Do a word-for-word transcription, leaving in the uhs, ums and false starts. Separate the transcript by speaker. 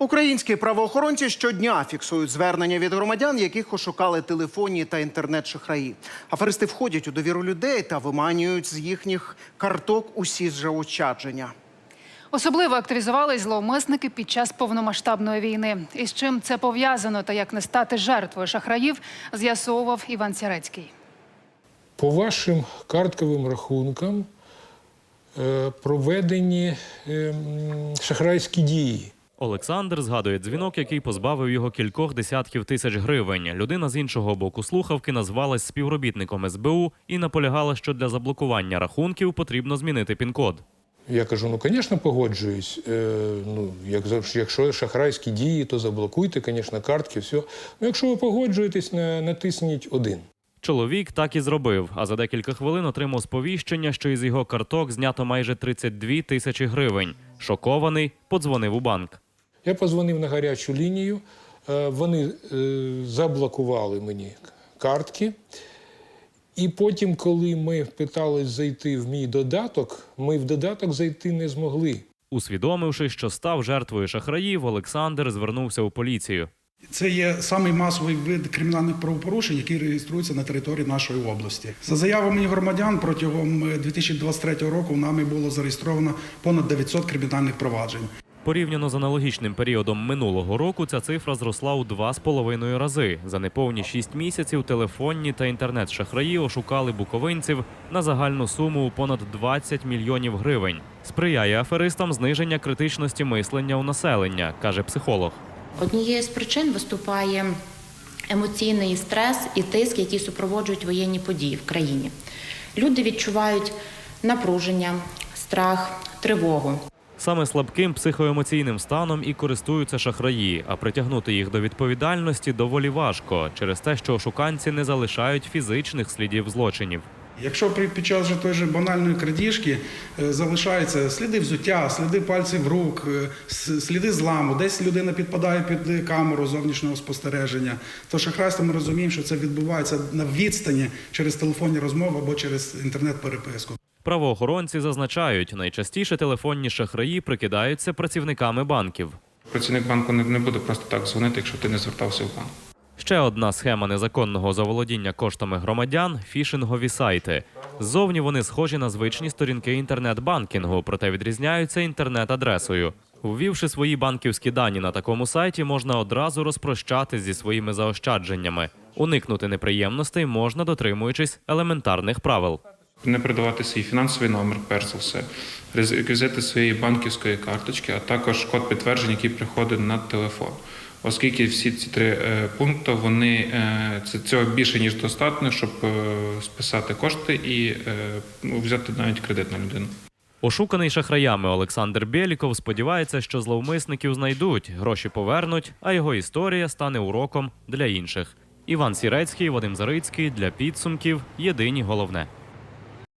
Speaker 1: Українські правоохоронці щодня фіксують звернення від громадян, яких ошукали телефонні та інтернет-шахраї. Аферисти входять у довіру людей та виманюють з їхніх карток усі заощадження.
Speaker 2: Особливо активізувались зловмисники під час повномасштабної війни. І з чим це пов'язано та як не стати жертвою шахраїв, з'ясовував Іван Сірецький.
Speaker 3: По вашим картковим рахункам проведені шахрайські дії.
Speaker 4: Олександр згадує дзвінок, який позбавив його кількох десятків тисяч гривень. Людина з іншого боку слухавки назвалась співробітником ес бе у і наполягала, що для заблокування рахунків потрібно змінити пін-код.
Speaker 3: Я кажу, ну, звісно, погоджуюсь. Е, ну, як, якщо шахрайські дії, то заблокуйте, звісно, картки, все. Ну, якщо ви погоджуєтесь, натисніть один.
Speaker 4: Чоловік так і зробив, а за декілька хвилин отримав сповіщення, що із його карток знято майже тридцять дві тисячі гривень. Шокований, подзвонив у банк.
Speaker 3: Я подзвонив на гарячу лінію, вони заблокували мені картки. І потім, коли ми питались зайти в мій додаток, ми в додаток зайти не змогли.
Speaker 4: Усвідомивши, що став жертвою шахраїв, Олександр звернувся у поліцію.
Speaker 5: Це є самий масовий вид кримінальних правопорушень, який реєструється на території нашої області. За заявами громадян, протягом дві тисячі двадцять третього року нами було зареєстровано понад дев'ятсот кримінальних проваджень.
Speaker 4: Порівняно з аналогічним періодом минулого року ця цифра зросла у два з половиною рази. За неповні шість місяців телефонні та інтернет-шахраї ошукали буковинців на загальну суму у понад двадцять мільйонів гривень. Сприяє аферистам зниження критичності мислення у населення, каже психолог.
Speaker 6: Однією з причин виступає емоційний стрес і тиск, які супроводжують воєнні події в країні. Люди відчувають напруження, страх, тривогу.
Speaker 4: Саме слабким психоемоційним станом і користуються шахраї, а притягнути їх до відповідальності доволі важко, через те, що ошуканці не залишають фізичних слідів злочинів.
Speaker 5: Якщо під час же той же банальної крадіжки залишаються сліди взуття, сліди пальців рук, сліди зламу, десь людина підпадає під камеру зовнішнього спостереження, то шахрайство ми розуміємо, що це відбувається на відстані через телефонні розмови або через інтернет-переписку.
Speaker 4: Правоохоронці зазначають, найчастіше телефонні шахраї прикидаються працівниками банків.
Speaker 7: Працівник банку не буде просто так дзвонити, якщо ти не звертався в банк.
Speaker 4: Ще одна схема незаконного заволодіння коштами громадян – фішингові сайти. Ззовні вони схожі на звичні сторінки інтернет-банкінгу, проте відрізняються інтернет-адресою. Ввівши свої банківські дані на такому сайті, можна одразу розпрощатись зі своїми заощадженнями. Уникнути неприємностей можна, дотримуючись елементарних правил.
Speaker 7: Не передавати свій фінансовий номер, перш за все, реквізити своєї банківської карточки, а також код підтвердження, який приходить на телефон. Оскільки всі ці три пункти, вони, це, цього більше, ніж достатньо, щоб списати кошти і взяти навіть кредит на людину.
Speaker 4: Ошуканий шахраями Олександр Бєліков сподівається, що зловмисників знайдуть, гроші повернуть, а його історія стане уроком для інших. Іван Сірецький, Вадим Зарицький. Для підсумків. Єдині головне.